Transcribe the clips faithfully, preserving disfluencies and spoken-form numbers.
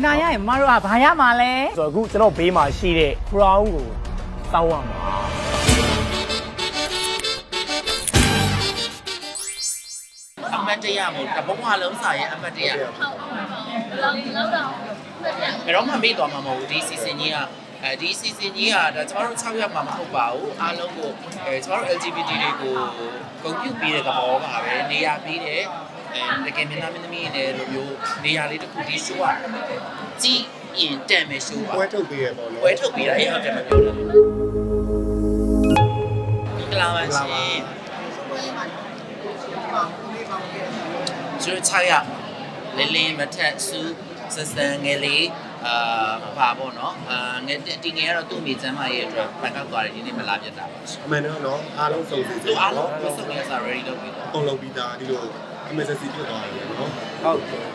ဝင်လာရရင်မတို့ကဘာရမှာလဲဆိုတော့အခုကျွန်တော်ဘေးမှာရှိတဲ့ crown ကိုတောင်းရမှာအမတ်တရမို့တဘဝလုံးစာရဲ့အမတ်တရဟုတ်ဟုတ်လောက်လောက်တော့ဘယ်တော့မှမေ့သွားမှာမဟုတ်ဘူးဒီ season ကြီးကအဲဒီ season ကြီးကဒါကျွန်တော်တို့၆ရက်မှမဟုတ်ပါဘူးအားလုံးကိုအဲကျွန်တော်တို့ L G B T တွေကိုဂုဏ်ပြုပေးတဲ့သဘောပါပဲနေရာပေးတဲ့အဲတကယ်မျက်နှာမင်းသမီးတွေလိုမျိုးနေရာလေးတစ်ခုဒီ show ကကြည့်ရင်တန်မယ် show ပါပွဲထုတ်ပေးရပေါ့နော်ပွဲထုတ်ပေးတာအဲ့ဟုတ်တယ်မပြောလို့ကလာပါရှင်ကျွန်တော်ခြားရလင်းလင်းမထက်စုစစံငယ်လေးအာပါပေါ့နော်အာငယ်တီငယ်ကတော့သူ့မိချမ်းမရဲ့အတွက်ပန်ကောက်သွားတယ်ဒီနေ့မလာပြတ်တာပါအမှန်တော့နော်အားလုံးစုံစီစီနော်အားလုံးစုံရစား ready လုပ်ပြီးတော့ပုံလုံးပြီးသားဒီလို emergency ဖြစ်သွားတယ်နော်ဟုတ်တယ်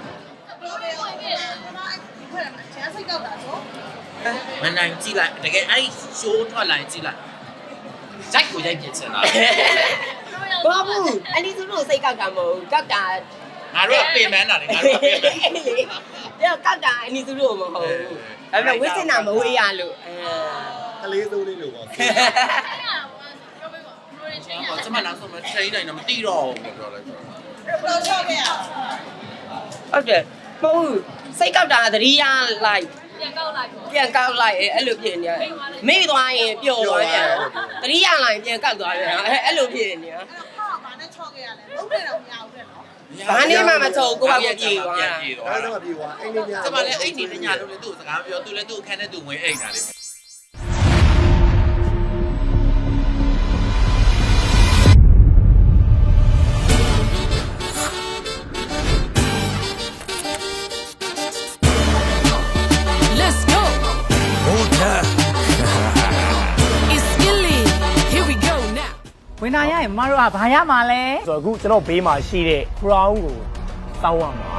မနိုင်ကြည့်လိုက်တကယ်အဲ့ show ထွက်လာကြည့်လိုက်ဂျိုက်ကိုရိုက်ပြချင်တာဘာဘူးအလီသူတို့စိတ်ကောက်တာမဟုတ်ကောက်တာငါတို့ကပြင်မန်းတာလေငါတို့ကပြင်မန်းလေပြောကောက်တာအလီသူတို့မဟုတ်ဘူးဒါပေမဲ့ဝိစင်နာမဝေးရလို့အဲကလေးစိုးလေးလို့ပေါ့ကျွန်မနောက်ဆုံးမ train တိုင်းတော့မတိတော့ဘူးပြောလိုက်တော့တော့ချောက်ခဲ့ရဟုတ်တယ်မဟုတ်စိတ်ကောက်တာသတိရလိုက်ပြန်ကောက်လိုက်ပြန်ကောက်လိုက်အဲ့လိုဖြစ်နေတယ်မေ့သွားရင်ပျော်သွားပြန်သတိရလိုက်ပြန်ကောက်သွားပြန်အဲ့လိုဖြစ်နေတယ်ဘာနဲ့ချောက်ခဲ့ရလဲလုံးတယ်တော့မရဘူးတဲ့နော်ဘာနဲ့မှမချောက်ကိုကပြေးသွားတာအဲ့တော့ပြေးသွားအိမ်နေညကျွန်မလည်းအိမ်နေညလို့လေသူ့စကားပြောသူလည်းသူ့အခန်းထဲသူဝင်အိမ်တာလေဝင်လာရရင်မတို့ကဘာရမှာလဲဆိုတော့အခုကျွန်တော်ဘေးမှာရှိတဲ့ crown ကိုတောင်းရမှာ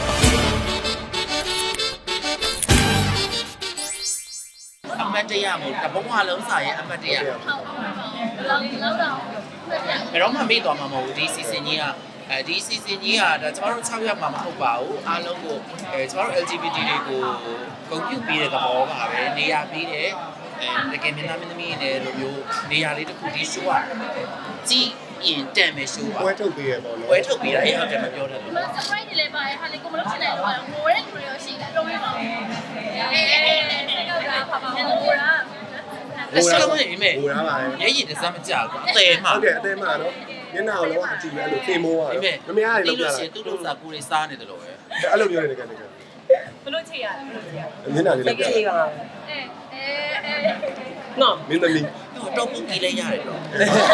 အမတ်တရမို့တဘဝလုံးစာရဲ့အမတ်တရဟုတ်ဟုတ်လောက်လောက်တော့ဘယ်တော့မှမေ့သွားမှာမဟုတ်ဘူးဒီ season ကြီးကအဲဒီ season ကြီးကဒါကျွန်တော်တို့၆ရက်မှမဟုတ်ပါဘူးအားလုံးကိုအဲကျွန်တော်တို့ L G B T တွေကိုဂုဏ်ပြုပေးတဲ့သဘောပါပဲနေရာပေးတဲ့အဲတကယ်မျက်နှာမင်းသမီးတွေလိုမျိုးနေရာလေးတစ်ခုဒီ show ကကြည့်ရင်တန်မယ် show ပါပွဲထုတ်ပေးရပေါ့နော်ပွဲထုတ်ပေးတာအဲ့ဟုတ်တယ်မပြောတတ်ဘူး surprise တွေလည်းပါတယ်ဟာလေကိုမလုပ်ချင်တဲ့တော့ငိုတဲ့လူတွေရောရှိတယ်တော့ပြောပါဦးအေးအေးအေးကောက်တာပါပါငိုတာလက်စကမနေမယ်ငိုတာပါရဲရည်တစမ်းမကြောက်ဘူးအသေးမှဟုတ်တယ်အသေးမှနော်မျက်နှာကိုလောကအကြည့်အဲ့လိုသေမိုးရတယ်မမရရလောက်ပြတာသူ့လို့စာကိုလေးစားနေတယ်လို့ပဲအဲ့လိုပြောနေတယ်ကတည်းကဘလို့ချေရတယ်ဘလို့ချေရမျက်နှာလေးလောက်ပြချေပါအေးအေးနော်မင်းသမီးတော့ပုတ်ကြည့်လိုက်ရတယ်တော့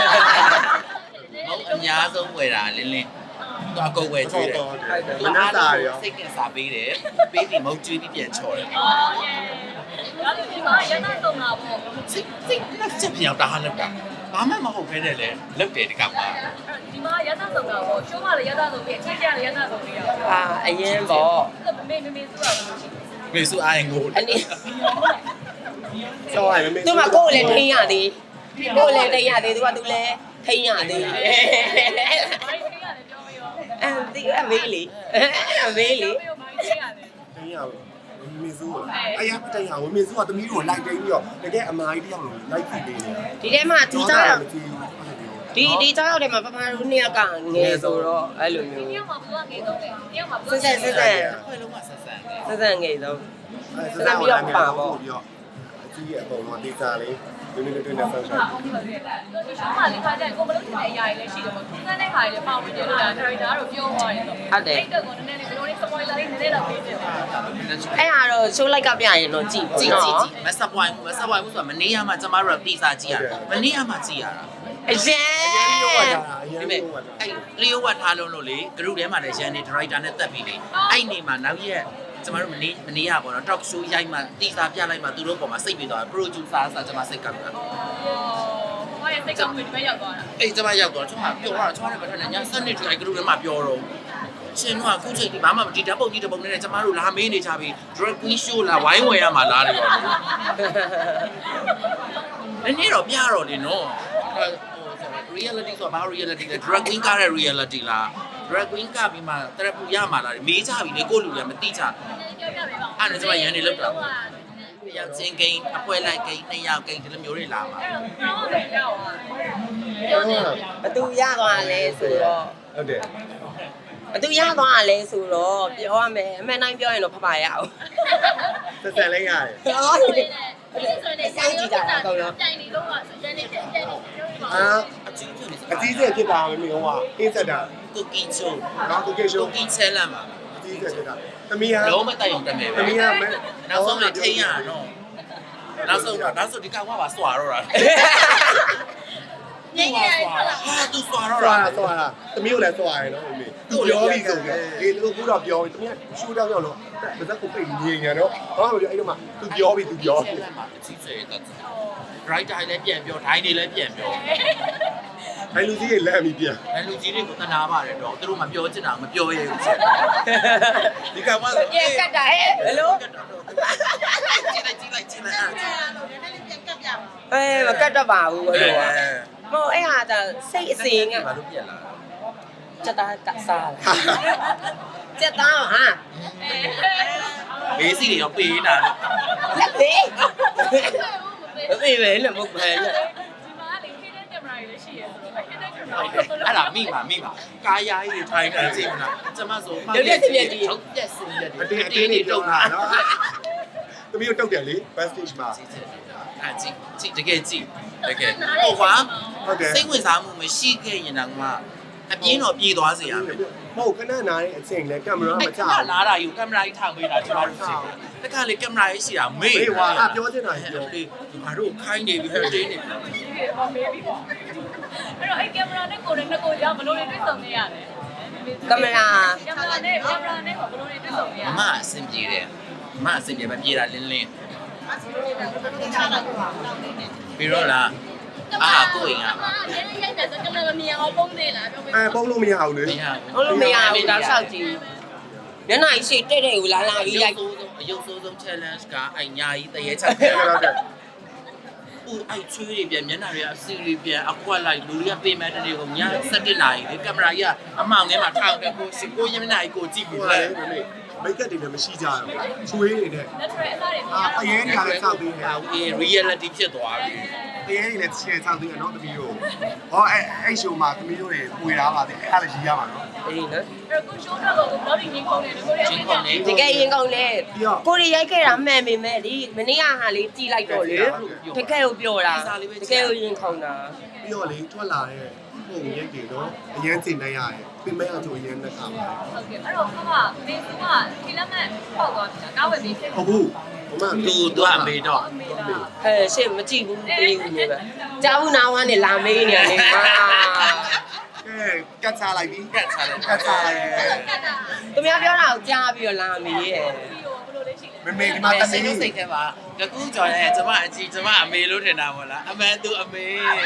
အများဆုံးဝယ်တာလင်းလင်းသူအကုန်ဝယ်ကျွေးတယ်မနှက်စာရောစိတ်ကစားပေးတယ်ပေးပြီးမုတ်ကျွေးပြီးပြန်ချော်တယ်အော်ယေဒါဒီမှာရတာတော့မှာပေါ့စိတ်စိတ်လက်ချက်ပြောင်းတာဟာလောက်တာဘာမှမဟုတ်ခဲနဲ့လေလောက်တယ်ဒီကမှာဒီမှာရတာတော့မှာပေါ့ရှိုးမလည်းရတာတော့ပြီးအချင်းချင်းလည်းရတာတော့ပြီးရအောင်အာအရင်ပေါ့မေမေမေစုရလို့ရှိမေစုအိုင်ငိုအနည်းဆောင်းရမယ်သူမကိုယ်လည်းထိန်းရသေးကိုယ်လည်းထိန်းရသေးသူကသူလည်းထိန်းရသေးအဲဒီအမေးလေအမေးလေတင်းရမင်းစုအရာမတရဝမင်းစုကသမီးကိုလိုက်တင်းပြီးတော့တကယ်အမားကြီးတယောက်လိုလိုက်ကြည့်နေတယ်ဒီထဲမှာဒီသားဒီဒီသားရောက်တယ်မှာပပတို့နှစ်ယောက်ကငယ်ဆိုတော့အဲ့လိုမျိုးဒီရောက်မှာဘုရားငယ်ဆုံးတယ်ဒီရောက်မှာဘုရားဆက်ဆက်ဆက်ခွဲလုံးကဆက်ဆက်ဆက်ဆက်ငယ်ဆုံးဆက်ဆက်ပြီးတော့ပါပေါ့ပြီးတော့အကြီးရဲ့အပေါ်မှာဒေတာလေးဒီနေ့တွေ့နေဆောက်ရှောက်ဒီရှိုးမလေးခါကျရင်ကိုမလို့ချင်တဲ့အရာတွေလည်းရှိတယ်ပေါ့သူကလည်းခါတွေလည်းပါဝင်တယ်လို့ဒါဒါရိုက်တာကတော့ပြောသွားတယ်ဆိုဟုတ်တယ်အဲ့တော့ကိုနည်းနည်းလေးဘယ်လိုလဲ spoiler လေးနည်းနည်းတော့ပေးပြပါအဲ့ဟာတော့ show like ကပြရင်တော့ကြည့်ကြည့်ကြည့်ကြည့်မဆက်ပွိုင်းမဆက်ပွိုင်းဘူးဆိုတာမနေရမှကျမတို့ကတီစာကြည့်ရတာမနေရမှကြည့်ရတာအရင်ဒီမဲ့အဲ့လျှို့ဝတ်ထားလုံးလို့လေ group ထဲမှာလည်းရန်နေ director နဲ့တက်ပြီးလေအဲ့နေမှာနောက်ရက်ကျမတို့မနေမနေရပါတော့ talk show ရိုက်မှတီစာပြလိုက်မှသူတို့ပေါ်မှာစိတ်ပြေသွားတယ် producer ဆာကျမစိတ်ကောက်တာဟောရဲ့စိတ်ကောက်ပြီးဒီဘက်ရောက်သွားတာအေးကျမရောက်သွားတော့ကျမပြောတော့ကျမလည်းမထက်နဲ့ညစနစ်ထိုင် group ထဲမှာပြောတော့ရှင်တို့ကခုချိန်ဒီဘာမှမဒီဓာတ်ပုံကြီးဓာတ်ပုံနဲ့ကျမတို့လာမေးနေကြပြီ drag queen show လာဝိုင်းဝယ်ရမှာလားတယ်ရောနည်းနည်းတော့ပြတော့လေနော်ဟို reality ဆိုတာဘာ reality လဲ drag queen ကတဲ့ reality လား drag queen ကပြီးမှတရပူရမှာလားမေးကြပြီလေကိုလူလည်းမသိကြပြောပြပေးပါဦးအဲ့ဒါကျွန်မရန်နေလောက်တာတယောက်ချင်းကိန်းအပွဲလိုက်ကိန်းနှစ်ယောက်ကိန်းဒီလိုမျိုးတွေလာပါအဲ့တော့ဘယ်ရောက်อ่ะပြောနေဘသူရသွားလဲဆိုတော့ဟုတ်တယ်ဘသူရသွားလဲဆိုတော့ပြောရမယ်အမှန်တိုင်းပြောရင်တော့ဖဖရအောင်သက်သက်လေးရတယ်ဟောဆိုရင်လည်းဆိုရင်လည်းတိုင်နေတော့တိုင်နေတော့ဆိုရင်လည်းတိုင်နေပြောပြပါအာအချင်းချင်းအကြီးကျယ်ဖြစ်တာမမေဟိုကအင်းဆက်တာကိုကင်းချိုနော်ကိုကေရှိုးကိုကင်းဆဲလမ်းပါအကြီးကျယ်ဖြစ်တာသမီးဟာလုံးမတိုင်အောင်တမယ်ပဲသမီးဟာမဲနောက်ဆုံးလည်းထိန်းရတော့နောက်ဆုံးတော့နောက်ဆုံးဒီကောင်ကပါစွာတော့တာငင်းငယ်ထွက်လာဟာသူစွာတော့သွားတာတာသွားတာသမီးကိုလည်းသွားရတယ်နော်မမေသူပြောပြီးဆိုပြီးအေးသူတို့ကတော့ပြောပြီးသမီးကရှူတောင်းရောက်လို့ဗဇက်ကိုပိတ်ငြိမ်ညာနော်ဟောမပြောအဲ့တော့မှသူပြောပြီးသူပြောဆဲလမ်းပါအချင်းချင်းတော့ writer လည်းပြန်ပြော dai တွေလည်းပြန်ပြောအဲ့လူကြီးရဲ့လက်အမိပြန်အဲလူကြီးတွေကိုတနာပါတယ်တော့သူတို့မပြောချင်တာမပြောရဘူးဒီကောင်ကရေကတ်တာဟဲ့ဘယ်လိုကြည့်လိုက်ကြည့်လိုက်ကြည့်လိုက်အားအဲမကတ်တော့ပါဘူးဘယ်လိုอ่ะမဟုတ်အဲ့ဟာဒါစိတ်အစဉ်ကဘာလို့ပြက်လာစက်သားကစားလာစက်သားဟာဘေးစီတွေရောပေးနေတာလက်သေးမသိပဲလို့မဟုတ်ပဲလို့ဒီမှာလေခင်းတဲ့ကင်မရာကြီးလည်းရှိရဲဆိုတော့ခင်းတဲ့ကင်မရာကြီးအဲ့ဒါမိပါမိပါကာယာကြီးတွေထိုင်တာကြည့်မလားကျမဆိုဟုတ်ပြက်စင်ရက်တွေအတင်းအတင်းနေတုံတာနော်သမီးတို့တုတ်တယ်လေ best stage မှာအဲ့ကြည့်ကြည့်တကယ်ကြည့်တကယ်ဟိုကွာဟုတ်တယ်စိတ်ဝင်စားမှုမရှိခဲ့ရင်တော့အပြင်းတော့ပြေးသွားစေရမယ်မဟုတ်ခဏနားတဲ့အချိန်လဲကင်မရာမအဲ့ချကဘူးလာတာယူကင်မရာကြီးထောင်ပေးတာကျမတို့ကြည့်တခါလေကင်မရာကြီးရှိတာမေ့မေးဝါအပြောချင်တာကြီးပြောလေငါတို့ခိုင်းနေပြီဟဲ့တင်းနေပြီဟောမေးပြီပေါ့အဲ့တော့အဲ့ကင်မရာနဲ့ကိုယ်နဲ့နှစ်ကိုကြောင့်ဘလို့တွေတွေ့ဆုံနေရလဲကင်မရာကင်မရာနဲ့ကင်မရာနဲ့ဘလို့တွေတွေ့ဆုံနေရမမအဆင်ပြေတယ်မမအဆင်ပြေမပြေတာလင်းလင်းပြီးတော့လားအာကိုရင်ကအဲ့ဒီရိုက်တယ်ဆိုကင်မရာမမြင်အောင်ပုံနေလားပြောပေးအဲပုံလို့မရဘူးလေမရဟုတ်လို့မရဘူးတောက်လျှောက်ကြည့်ညနေရှိတဲ့တဲ့ကိုလာလာပြီးရိုက်အယုတ်ဆိုးဆုံး challenge ကအညာကြီးတရေချက်ပြန်ဟုတ်တယ်ဦးအိုက်ချွေးတွေပြန်မျက်နှာတွေအစီတွေပြန်အကွက်လိုက်လူတွေကပေးမဲ့တဲ့တွေကိုညစက်တင်လာကြီးလေကင်မရာကြီးကအမောင်ထဲမှာထောင်တဲ့ကိုစီကိုရမျက်နှာကြီးကိုကြည့်ဟိုပြီးကလဲလေမမေမိတ်ကပ်တွေလည်းမရှိကြဘူးချွေးနေနဲ့ natural အစားတွေအာအရင်ကလည်းစောက်ပြီးနေဟာအေး reality ဖြစ်သွားပြီအရင်ကလည်းချဲစောက်ပြီးတော့သမီးတို့ဟောအဲအဲ့ရှိုမှာသမီးတို့တွေပွေတာပါတဲ့အဲ့ဒါလည်းရီးရမှာနော်အေးနော်အဲ့ကိုရှိုးတော့ကိုဘောဒီငင်းကုန်တယ်ကိုရဲ့ချင်းကုန်နေတကယ်ရင်ကောင်းလေကိုရီရိုက်ခဲ့တာမှန်ပေမဲ့ဒီမနေ့ကဟာလေးကြည်လိုက်တော့လေတကယ်ကိုပြောတာတကယ်ကိုရင်ခေါင်းတာပြီးတော့လေထွက်လာတဲ့ပုံရိပ်တွေတော့အရင်ကျင်နေရတယ်ပြင်မဲ့အချိုအရင်နဲ့ခါပါဟုတ်ကဲ့အဲ့တော့ခမမင်းကဒီလက်မဲ့ပေါက်သွားပြီကားဝယ်ပြီးဖြစ်ဟုတ်ဘူးဟိုမှသူသူအမေတော့အမေလားဟဲ့ရှေ့မကြည့်ဘူးတေးဘူးနေပဲကြားဘူးနာဝမ်းနဲ့လာမေးနေရတယ်ဟာကဲကတ်ချလိုက်ပြီကတ်ချတယ်ကတ်ချလိုက်ကတ်တာသူများပြောတာကိုကြားပြီးတော့လာမေးရဲ့ပြီးတော့ဘလို့လေးရှိလဲမမေဒီမှာတစိမီးတ်စိတ်ထဲမှာတကူကြော်ရဲကျမအကြီးကျမအမေလို့ထင်တာမို့လားအမှန်သူအမေ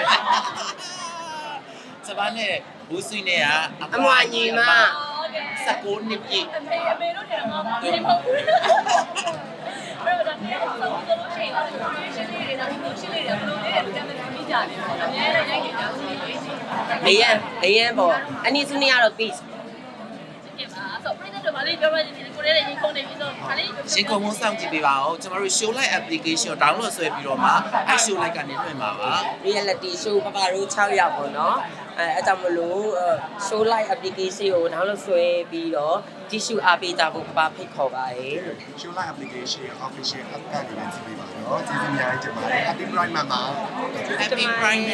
ကျမနဲ့ဘူးဆွေးနဲ့ကအမွာညီမဟုတ်ကဲ့စကိုနှစ်ပြည့်အမေအမေတို့တယ်ငါမမင်းမဟုတ်ဘူးအဲ့တော့ဒါနဲ့ဆိုတော့တို့ရှိရင်တော့ creation လေးတွေဒါမျိုးရှင်းလေးတွေဘလို့လေးတွေတမ်းတမ်းပြီးကြတယ်ပေါ့အများကြီးရိုက်နေကြဆိုရင်လေးရှိလေရန်လေရန်ပေါ့အနည်းစုနေရတော့ peace တယ်ပါဆိုပြည့်တဲ့တော့ဗာလေးပြောရရင်ကိုလေးတွေရင်ခုန်နေပြီးတော့ဗာလေးရှင်ကုန်မစောင့်ကြည့်ပေးပါဦးကျမတို့ show light application download ဆွဲပြီးတော့မှအဲ show light ကနေလွှင့်ပါပါ reality show ပပတို့၆ယောက်ပေါ့နော်အဲအကြောင်းမလို့ show live application ကိုနောက်လို့ဆွဲပြီးတော့ကြည့်ရှုအားပေးကြဖို့ပပဖိတ်ခေါ်ပါတယ်ရှူလိုက် application official app ကနေလည်းကြည့်ပေးပါနော်ကျေးဇူးများတင်ပါတယ် Happy Pride Mama Happy Pride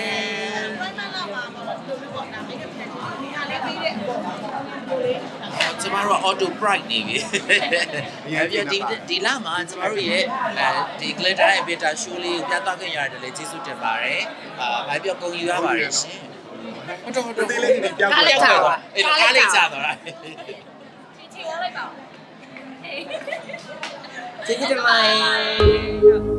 ကျမတို့ auto pride နေပြီအဲဒီဒီလမှာကျမတို့ရဲ့အဲဒီ glitter ရဲ့ beta show လေးကိုပြသခဲ့ရတယ်လေကျေးဇူးတင်ပါတယ်အာဘာပြောကုန်ယူရပါတယ်ရှင်ဟုတ်တော့ဟုတ်တော့ဒီလေးတွေပြောင်းကားလဲလေးချသွားအဲ့ဒါကားလေးချသွားတာချီချီဝလိုက်ပါကျေးဇူးတင်ပါတယ်